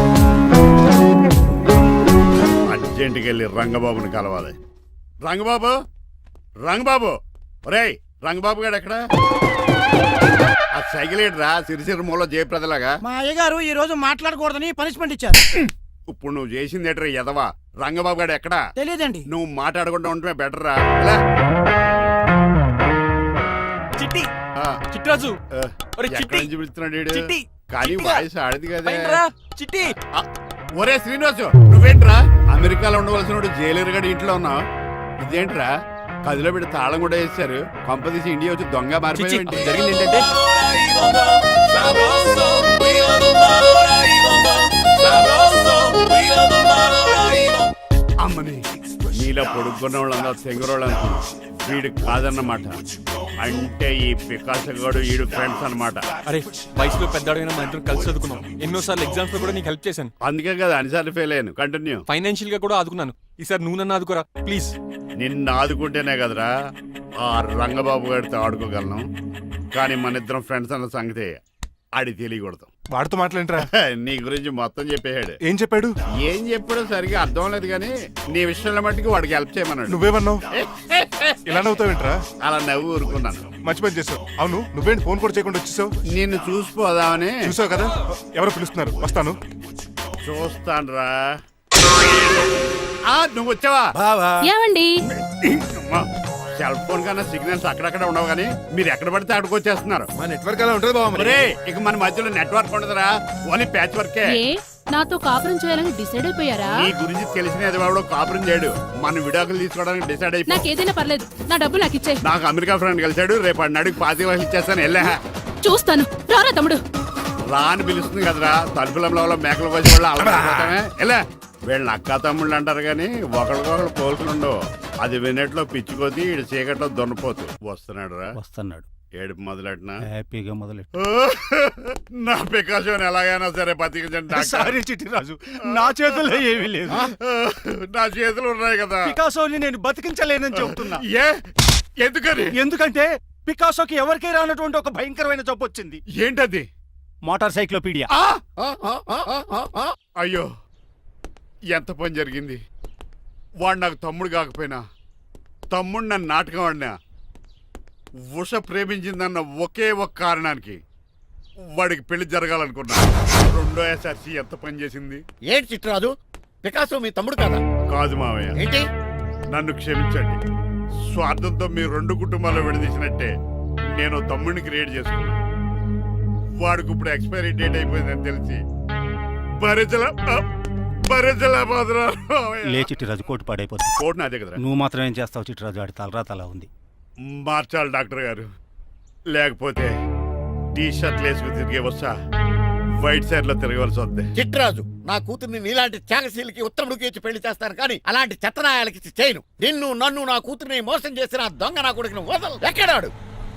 Speaker 5: అర్జెంటుకి వెళ్ళి రంగబాబుని కలవాలి. రంగబాబు, రంగబాబు, ఒరేయ్ రంగబాబు గారు ఎక్కడ? ఆ సైకిల్ ఏంట్రా సిరిసిరి మూల జయప్రదలాగా?
Speaker 8: మా అయ్యగారు ఈ రోజు మాట్లాడకూడదని పనిష్మెంట్ ఇచ్చారు.
Speaker 5: ఇప్పుడు నువ్వు చేసింది ఏంట్రా ఎదవా? రంగబాబు గారు ఎక్కడా?
Speaker 8: తెలియదండి.
Speaker 5: నువ్వు మాట్లాడకుండా ఉండటమే బెటర్ రా.
Speaker 7: చిట్టి,
Speaker 5: ఆ,
Speaker 7: చిట్రాజు, ఒరే
Speaker 5: ఎక్కడి
Speaker 7: చిట్టి,
Speaker 5: నుంచి పిలుస్తున్నాడు వీడు?
Speaker 7: చిట్టి,
Speaker 5: కానీ
Speaker 7: చిట్టిగా.
Speaker 5: వాయిస్ ఆడిది కదా.
Speaker 7: పైన రా, చిట్టి.
Speaker 5: ఒరే శ్రీనివాసు, నువ్వేంట్రా అమెరికాలో ఉండవలసిన జైలర్ గడి ఇంట్లో ఉన్నావు? ఇదేంట్రా కదిలో పెట్టి తాళం కూడా వేశారు కొంపదీసి ఇండియా వచ్చి దొంగ
Speaker 9: చిచ్చి,
Speaker 5: మారిపోయింది.
Speaker 9: జరిగింది ఏంటంటే
Speaker 5: అమ్మని నీలో పొడుక్కున్న వాళ్ళందరూ తెంగురోళ్ళు అనుకున్నా వీడు కాదన్నమాట. అంటే ఈ పికాసగాడు వీడు ఫ్రెండ్స్ అన్నమాట.
Speaker 9: అరే వయసులో పెద్దవాడైనా మా ఇద్దరు కలిసి చదువుకున్నాం. ఎన్నోసార్లు ఎగ్జామ్స్ లో కూడా నీకు హెల్ప్ చేశాను.
Speaker 5: అందుకే కదా అన్నిసార్లు ఫెయిల్ అయ్యాను. కంటిన్యూ.
Speaker 9: ఫైనాన్షియల్ గా కూడా ఆదుకున్నాను. ఈసారి నువ్వు నన్ను ఆదుకోరా ప్లీజ్.
Speaker 5: నిన్ను ఆదుకుంటేనే కదరా ఆ రంగబాబు గారితో ఆడుకోగలను. కానీ మన ఇద్దరం ఫ్రెండ్స్ అన్న సంగతి ఆడి తెలియకూడదు.
Speaker 1: వాడితో మాట్లాడరా?
Speaker 5: నీ గురించి మొత్తం చెప్పేశాడు.
Speaker 1: ఏం చెప్పాడు?
Speaker 5: ఏం చెప్పాడో సరిగా అర్థం లేదు కానీ నీ విషయంలో మట్టుకు వాడికి హెల్ప్ చేయమన్నాడు.
Speaker 1: నువ్వేమన్నావు? ఇలా నవ్వుతావేంట్రా?
Speaker 5: అలా నవ్వు ఊరుకున్నాను.
Speaker 1: మంచి పని చేసావు. అవును, నువ్వేంటి ఫోన్ కూడా చేయకుండా వచ్చేసావు?
Speaker 5: నిన్ను చూసిపోదామని.
Speaker 1: చూసావు కదా, ఎవరో పిలుస్తున్నారు, వస్తాను.
Speaker 5: చూస్తానురా. నువ్వు వచ్చావా?
Speaker 2: ఏమండి?
Speaker 5: సెల్ ఫోన్ కన్నా సిగ్నల్స్ అక్కడక్కడ ఉండవు కానీ మీరు ఎక్కడ పడితే అక్కడికి వచ్చేస్తున్నారు.
Speaker 11: మా నెట్వర్క్ అలా ఉంటుంది బాబు.
Speaker 5: ఒరే, ఇక మన మధ్యలో నెట్వర్క్ ఉండదురా, ఓన్లీ ప్యాచ్ వర్కే.
Speaker 2: నాతో కాపురం చేయాలని డిసైడ్ అయిపోయారా?
Speaker 5: నీ గురించి తెలిసిన ఎదవాడు కాపురం చేయడు. మన విడాకులు తీసుకోవడానికి డిసైడ్ అయిపోయి.
Speaker 2: నాకేదైనా పర్లేదు, నా డబ్బు నాకు ఇచ్చే.
Speaker 5: నాకు అమెరికా ఫ్రెండ్ కలిశాడు, రేపు అడిగి 25 వయసు ఇచ్చేస్తాను. వెళ్ళా
Speaker 2: చూస్తాను, రారా తమ్ముడు.
Speaker 5: రా అని పిలుస్తుంది కదరా, తలుపులంలో మేకలు కోసి వాళ్ళు అలవాటమే. ఎలా వీళ్ళని అక్క తమ్ముళ్ళు అంటారు కానీ ఒకరికొకరు పోల్చులు ఉండవు. అది వినట్లో పిచ్చుకోతి, ఇటు చీకట్లో దొన్నపోతు. వస్తున్నాడు రా.
Speaker 7: వస్తున్నాడు.
Speaker 5: ఏడుపు మొదలెట్నా?
Speaker 7: హ్యాపీగా మొదలెట్టు.
Speaker 5: నా పికాసోని ఎలాగైనా సరే బతికించండి.
Speaker 7: సారీ చిట్టిరాజు, నా చేతుల్లో ఏమీ లేదు.
Speaker 5: నా చేతులు ఉన్నాయి కదా.
Speaker 7: పికాసోని నేను బతికించలేనని చెబుతున్నా.
Speaker 5: ఎందుకని?
Speaker 7: ఎందుకంటే పికాసోకి ఎవరికీ రానటువంటి ఒక భయంకరమైన జబ్బు వచ్చింది.
Speaker 5: ఏంటది?
Speaker 7: Motor cyclopedia.
Speaker 5: అయ్యో, ఎంత పని జరిగింది. వాడు నాకు తమ్ముడు కాకపోయినా తమ్ముడు నన్ను నాటకం ఆడినా ఉష ప్రేమించిందన్న ఒకే ఒక కారణానికి వాడికి పెళ్లి జరగాలనుకున్నా. రెండో ఎస్ఆర్సి ఎంత పని చేసింది.
Speaker 6: ఏంటి చిట్రాజు, పికాసో మీ తమ్ముడు కదా?
Speaker 5: కాదు మావయ్య,
Speaker 6: ఏంటి?
Speaker 5: నన్ను క్షమించండి. స్వార్థంతో మీ రెండు కుటుంబాలు విడదీసినట్టే నేను తమ్ముడిని క్రియేట్ చేసుకున్నా. వాడికి ఇప్పుడు ఎక్స్పైరీ డేట్ అయిపోయిందని తెలిసి
Speaker 7: లే చిట్టిరాజు, కోటు పాడైపోతుంది.
Speaker 5: కోట్ నాదే కదరా.
Speaker 7: నువ్వు మాత్రం ఏం చేస్తావు చిట్టిరాజు? ఆడి తలరా తల ఉంది.
Speaker 5: మార్చాలి డాక్టర్ గారు, లేకపోతే టీ షర్ట్లు వేసుకుని తిరిగే వస్తా వైట్ సైడ్ లో తిరగవలసి వద్దే.
Speaker 6: చిట్రాజు, నా కూతుర్ని నీలాంటి త్యాగశీలకి ఉత్తముడికి ఇచ్చి పెళ్లి చేస్తాను కానీ అలాంటి చెత్తనాయాలకి ఇచ్చి చేయను. నిన్ను నన్ను నా కూతుర్ని మోసం చేసిన దొంగ నా కొడుకుని వదలు. ఎక్కడాడు?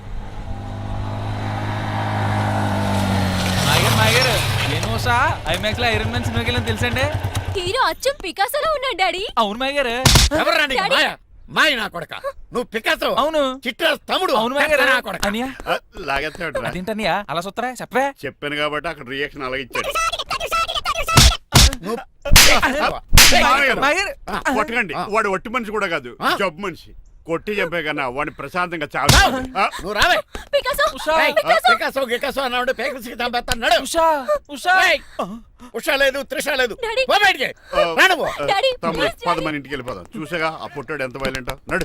Speaker 4: ఏమోసా ఐమాక్స్ లో ఐరన్ మ్యాన్ సినిమాకి వెళ్ళని తెలుసండి.
Speaker 2: హీరో అచ్చం పికాసోలో ఉన్నాడు డాడీ.
Speaker 4: అవును మాయ గారు.
Speaker 6: ఎవరా నీకు మాయ? మాయ నా కొడక. నువ్వు పికాసో.
Speaker 4: అవును.
Speaker 6: చిట్రాజు తమ్ముడు.
Speaker 4: అవును మాయ గారు.
Speaker 6: నా కొడక.
Speaker 4: అనియా
Speaker 5: లాగేస్తాడు.
Speaker 4: అదేంటనియా అలా సుత్తరా చెప్పే.
Speaker 5: చెప్పాను కాబట్టి అక్కడ రియాక్షన్ అలాగే ఇచ్చాడు.
Speaker 6: నువ్వు
Speaker 4: మాయ గారు.
Speaker 5: కొట్టకండి, వాడు ఒట్టి మనిషి కూడా కాదు, జబ్బు మనిషి. కొట్టి చంపే కన్నా వాడిని ప్రశాంతంగా చావు.
Speaker 6: నువ్వు రావే.
Speaker 2: పికాసో,
Speaker 6: ఏయ్, పికాసో గికాసో అన్నాడు. పేకసికి చంపేస్తాను. నడు.
Speaker 4: ఉషా ఉషా.
Speaker 6: ఏయ్, ఉషా లేదు, త్రిష లేదు.
Speaker 2: డాడీ.
Speaker 6: పో బయటికి. రా నువ్వు.
Speaker 2: డాడీ,
Speaker 5: తమ్ముడు
Speaker 2: ప్లీజ్
Speaker 5: పద మన ఇంటికి వెళ్ళిపోదాం. చూసాగా ఆ పుట్టాడు ఎంత వైలెంట్. నడు.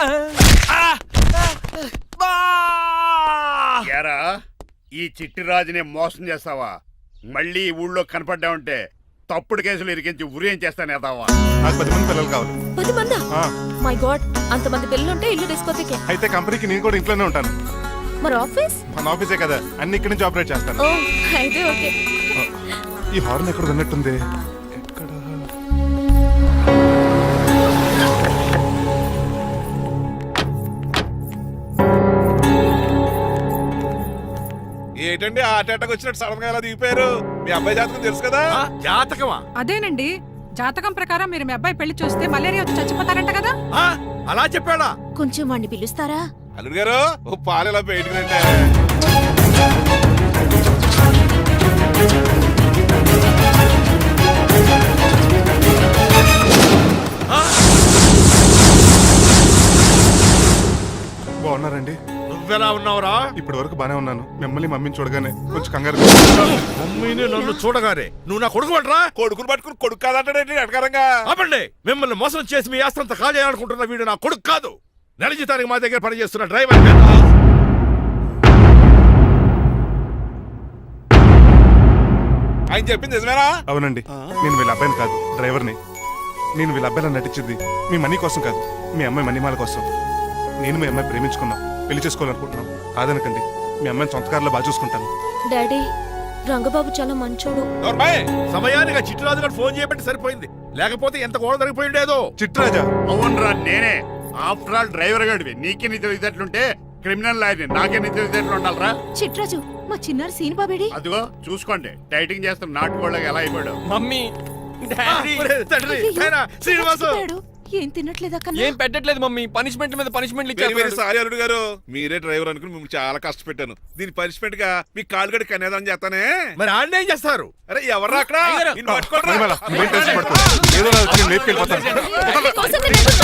Speaker 5: ఏరా, ఈ చిట్టి రాజుని మోసం చేస్తావా? మళ్ళీ ఈ ఊళ్ళో కనపడ్డావంటే తప్పుడు కేసులు ఇరికించి ఉరేం చేస్తాను ఎదావా.
Speaker 1: నాకు 10 మంది పిల్లలు కావాలి.
Speaker 2: 10 మందా?
Speaker 1: ఆ,
Speaker 2: మై గాడ్, అంతమంది పిల్లలుంటే ఇల్లు డిస్కోతికే.
Speaker 1: అయితే కంపెనీకి నేను కూడా ఇంట్లోనే ఉంటాను.
Speaker 2: మరి ఆఫీస్?
Speaker 1: మన ఆఫీసే కదా, అన్ని ఇక్కడి నుంచి ఆపరేట్ చేస్తాను.
Speaker 2: ఓ, అయితే ఓకే.
Speaker 1: ఈ హార్న్ ఎక్కడ విన్నట్టుంది. ఎక్కడ?
Speaker 11: ఏంటండి ఆ అటాక్ వచ్చినట్టు సడన్ గా ఎలా దిగిపోయారు? మీ అబ్బాయి జాతకం తెలుసు కదా?
Speaker 6: జాతకమా?
Speaker 10: అదేనండి, జాతకం ప్రకారం మీరు మీ అబ్బాయి పెళ్లి చూస్తే మలేరియా వచ్చి చచ్చిపోతారంట కదా.
Speaker 11: అలా చెప్పాడా?
Speaker 2: కొంచెం వాడిని పిలుస్తారా?
Speaker 11: అల్లుడు గారు, ఓ పాలు ఎలా బయటకు రండి.
Speaker 1: బాగున్నారండి?
Speaker 11: నువ్వెలా ఉన్నావురా?
Speaker 1: ఇప్పటి వరకు బానే ఉన్నాను. మిమ్మల్ని మమ్మీని చూడగానే కొంచెం కంగారు.
Speaker 11: మమ్మీని నన్ను చూడగానే నువ్వు నా కొడుకు పడరా? కొడుకుని పట్టుకుని కొడుకు కాదంటాడేంటి అటకారంగా? ఆపండి. మిమ్మల్ని మోసం చేసి మీ ఆస్తంతా కాజేయాలనుకుంటున్న వీడు నా కొడుకు కాదు. నెల జీతానికి మా దగ్గర పనిచేస్తున్న డ్రైవర్. ఆయన చెప్పింది నిజమేనా?
Speaker 1: అవునండి, నేను వీళ్ళ అబ్బాయిని కాదు, డ్రైవర్ని. నేను వీళ్ళ అబ్బాయిలా నటించింది మీ మనీ కోసం కాదు, మీ అమ్మాయి మణిమాల కోసం. నేను మీ అమ్మాయి ప్రేమించుకున్నాం, పెళ్లి చేసుకోవాలనుకుంటున్నాం. కాదనకండి, మీ అమ్మాయిని సొంత కారులో బాగా చూసుకుంటాను.
Speaker 2: డాడీ రంగబాబు చాలా మంచోడు.
Speaker 11: నోర్మాయ్, సమయానికి చిట్టురాజు గారు ఫోన్ చేయబట్టి సరిపోయింది, లేకపోతే ఎంత గోడ జరిగిపోయిండేదో.
Speaker 1: చిట్రాజా,
Speaker 5: అవునరా నేనే. ఆఫ్టర్ ఆల్ డ్రైవర్ గడివి నీకే నిద్ర ఇదట్లుంటే క్రిమినల్ లాయర్ని నాకే నిద్ర ఇదట్లు ఉండాలరా.
Speaker 10: చిట్రాజు మా చిన్నారి సీన్ బాబేడి
Speaker 5: అదిగో చూసుకోండి, డైటింగ్ చేస్తున్న నాటుకోళ్ళకి ఎలా అయిపోయాడు.
Speaker 9: మమ్మీ డాడీ
Speaker 11: ఒరే తండ్రి, నాయనా, శ్రీనివాసు.
Speaker 10: ఏం తినట్లేదా
Speaker 9: ఏం పెట్టట్లేదు మమ్మీ, పనిష్మెంట్ మీద పనిష్మెంట్
Speaker 11: వెరీ వెరీ
Speaker 9: ఇచ్చారు.
Speaker 11: సారీ అల్లుడు గారు, మీరే డ్రైవర్ అనుకుని మిమ్మల్ని చాలా కష్టపెట్టాను. దీని పనిష్మెంట్ గా మీ కాలు గడి కనేదాన్ని చేస్తానే. మరి ఆడిని ఏం చేస్తారు? అరే ఎవర్రా అక్కడ? నిన్ను పట్టుకోరా.
Speaker 1: ఏదో వచ్చి నేను లేపుకెళ్ళిపోతాను.
Speaker 2: కోసం